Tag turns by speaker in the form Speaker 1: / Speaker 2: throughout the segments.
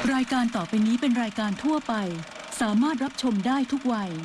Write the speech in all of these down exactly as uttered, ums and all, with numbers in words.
Speaker 1: รายการต่อไปนี้เป็นรายการทั่วไปสามารถรับชมได้ทุกวัย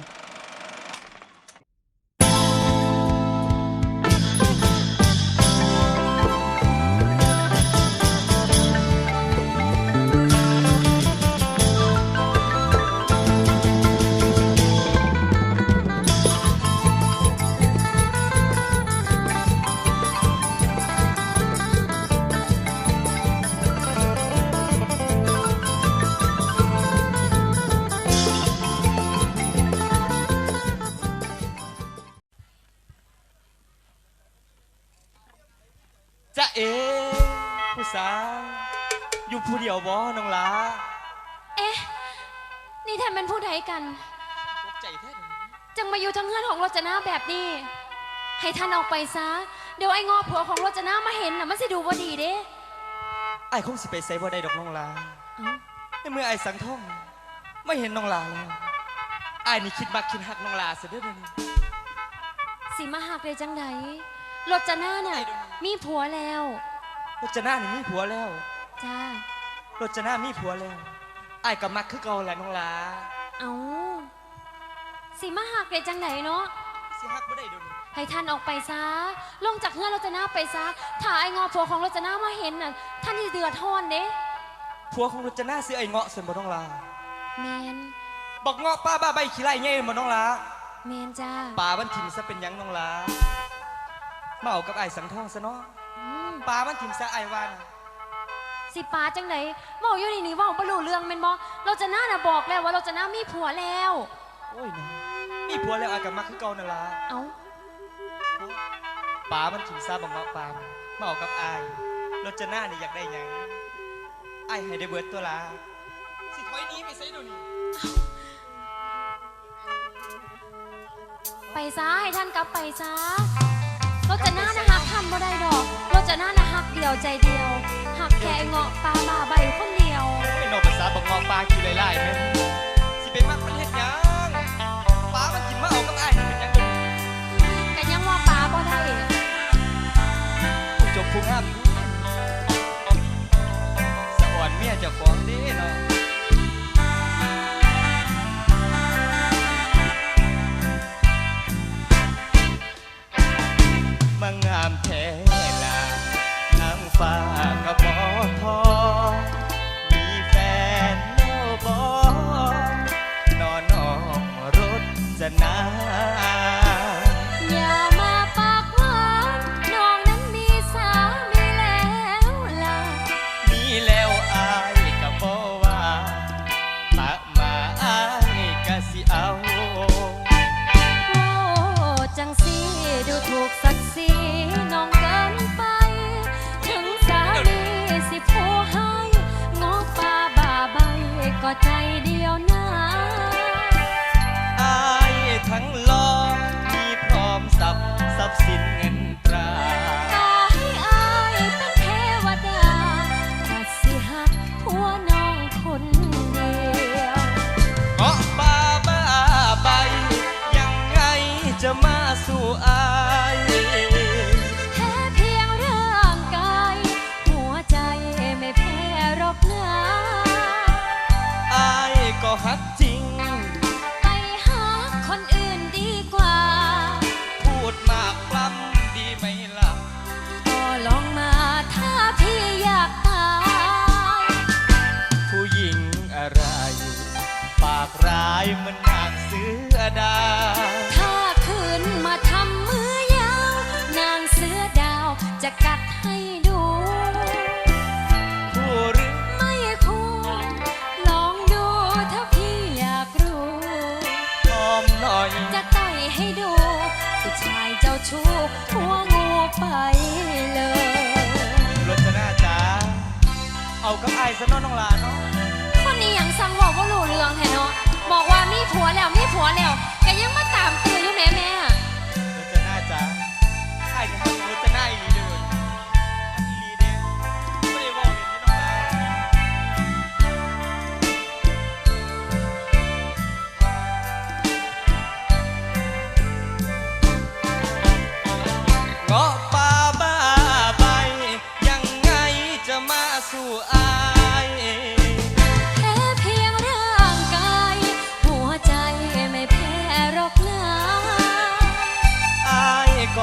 Speaker 2: จะเอ๋ผู้สาวอยู่ผู้เดียวบ่น้องหลา
Speaker 3: เอ๊ะนี่ท่านเป็นผู้ใดกัน
Speaker 2: ตกใจแท้
Speaker 3: จังมาอยู่ทั้งเงื่อนของรจนาแบบนี้ให้ท่านออกไปซะเดี๋ยวไอ้งอผัวของรจนามาเห็นน่ะมันสิดูบ่ดีเด้
Speaker 2: ไอ้คงสิไปใส่บ่ได้ดอกน้องหลาในเมื่อไอ้สังทองไม่เห็นน้องหลาแล้วไอ้นี่คิดมักคิดหักน้องหลาเสียเด้อเดี๋ยวนี้
Speaker 3: สิมาหักได้จังไดรจนาน่ะมีผัวแล้ว
Speaker 2: รจนานี่มีผัวแล้ว
Speaker 3: จ้าร
Speaker 2: จนามีผัวแล้วไอ้กับมักคือเก่าแหละน้องหลา
Speaker 3: เอาสิมาหักได้จังไดเนาะ
Speaker 2: สิหักบ่ได้เดี๋ยวนี้
Speaker 3: ให้ท่านออกไปซะลงจากเงื่อนรจนาไปซะถ้าไอ้งอผัวของรจนามาเห็นน่ะท่านจะเดือดร้อนเด้
Speaker 2: ผัวของรจนาซื้อไอ้เงาะส่วนบ่น้องหลา
Speaker 3: แมน
Speaker 2: บอกเงาะป้าบ้าใบขี้ไล่ไงบ่น้องหลา
Speaker 3: แมนจ้า
Speaker 2: ป่าวันถิ่มซะเป็นยังน้องหลามาเอากับไอ้สังทองซะเนาะป่ามันถิ่มซะไอ้วาน
Speaker 3: สิป่าจังไหนว่าอยู่นี่นี่ว่าบรรลุเรื่องแม่นบ่เราจะน่าน่ะบอกแล้วว่าเราจะน่ามีผัวแล้ว
Speaker 2: โอ้ยน้องมีผัวแล้วไอ้กับมาคือเก่านั่นล่ะ
Speaker 3: เอ้า
Speaker 2: ป่ามันถิ่มซะบังเงาะป่ามาเอากับไอ้เราจะน่านี่อยากได้ยังไอ้ให้ได้เบิดตัวละสิถอยนี้ไปใส่ดูนี่
Speaker 3: ไปซะให้ท่านกลับไปซะเราจะน่านะฮักท่านบ่ได้ดอกเราจะน่านะฮักเดียวใจเดียวฮักแค่เงาะปลาบาใบคนเดียว
Speaker 2: ไม่นอกภาษาบังเงาะปลาขี้ไล่ๆไหมสิเป็นมากมันเฮ็ดยังปลามันกินมาเอากับไอ้เป็นยัง
Speaker 3: แต่ยังว่าปลาบ่ได้
Speaker 2: จบพุงห้ามสะอ่อนเมียเจ้าของเด้เนาะมังงามแท้ลานางฟ้ากับบ่อทอมีแฟนโนบอนอนนองรถจะนา
Speaker 3: อย่ามาปากหวานน้องนั้นมีสามีแล้วล่ะ
Speaker 2: มีแล้วอายกับบ่ว่าปะมาอายก็สิเอา
Speaker 3: โอ้จังสิดูถูกสักสีน้องเกินไปถึงสามีสิผู้ให้งอป่าบ่าใบก็ใจเดียวนะ
Speaker 2: อายทั้งหล่อมีพร้อมทรัพย์ทรัพย์สินเงินตรา
Speaker 3: ต่อให้อายเป็นเทวดาก็สิหักผัวน้องคนเดียว
Speaker 2: เงาะป่าบ้าใบยังไงจะมาสู่อาย
Speaker 3: แค่เพียงร่างกายหัวใจไม่แพ้รบหน้า
Speaker 2: อายก็ฮักจริง
Speaker 3: ไปหาคนอื่นดีกว่า
Speaker 2: พูดมากปล้ำดีไหมล่ะ
Speaker 3: ก็ลองมาถ้าพี่อยากตาย
Speaker 2: ผู้หญิงอะไรปากร้ายเหมือนนางเสือดาว
Speaker 3: ถ้าคืนมาทำมือยาวนางเสือดาวจะกัดให้ดู
Speaker 2: คู่หรือ
Speaker 3: ไม่คู่ลองดูถ้าพี่อยากรู้
Speaker 2: หอมหน่อย
Speaker 3: จะต่อยให้ดูผู้ชายเจ้าชู้หัวงูไปเลย
Speaker 2: รจนาจ๋าเอากับไอ้ซะน้องน้องหลาเนาะ
Speaker 3: คนนี้ยังสั่งบอกว่ารู้เรื่องแท้เนาะบอกว่ามีผัวแล้วมีผัวแล้วแกยังมาตามตื่นอยู่แม่แม่
Speaker 2: รจนาจ๋าไอ้จะให้รจนาอีเดินอีเดินไม่ได้บอกเลยน้องหลาเงาะป่าบ้าใบยังไงจะมาสู่อาย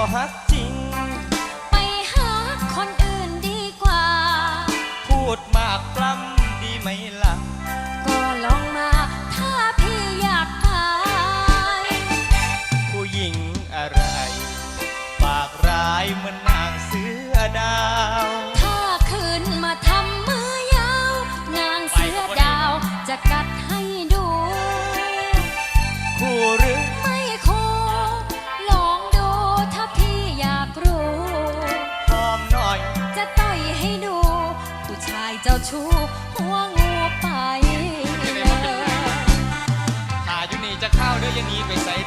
Speaker 2: ฮักจริง
Speaker 3: ไปหาคนอื่นดีกว่า
Speaker 2: พูดมากปล้ำดีไหมล่ะ
Speaker 3: ก็ลองมาถ้าพี่อยากตาย
Speaker 2: ผู้หญิงอะไร ปากร้ายเหมือนนางเสือดาว
Speaker 3: ถ้าคืนมาทำมือยาว นางเสือดาวจะกัดให้ดู
Speaker 2: คู่หรือ
Speaker 3: ไม่คู่ลองดูถ้าพี่อยากรู้
Speaker 2: หอมหน่อย
Speaker 3: จะต่อยให้ดู ผู้ชายเจ้าชู้หัวงูไปเลย
Speaker 2: หาอยู่นี่จะเข้าเด้ออยังนี้ไปใส่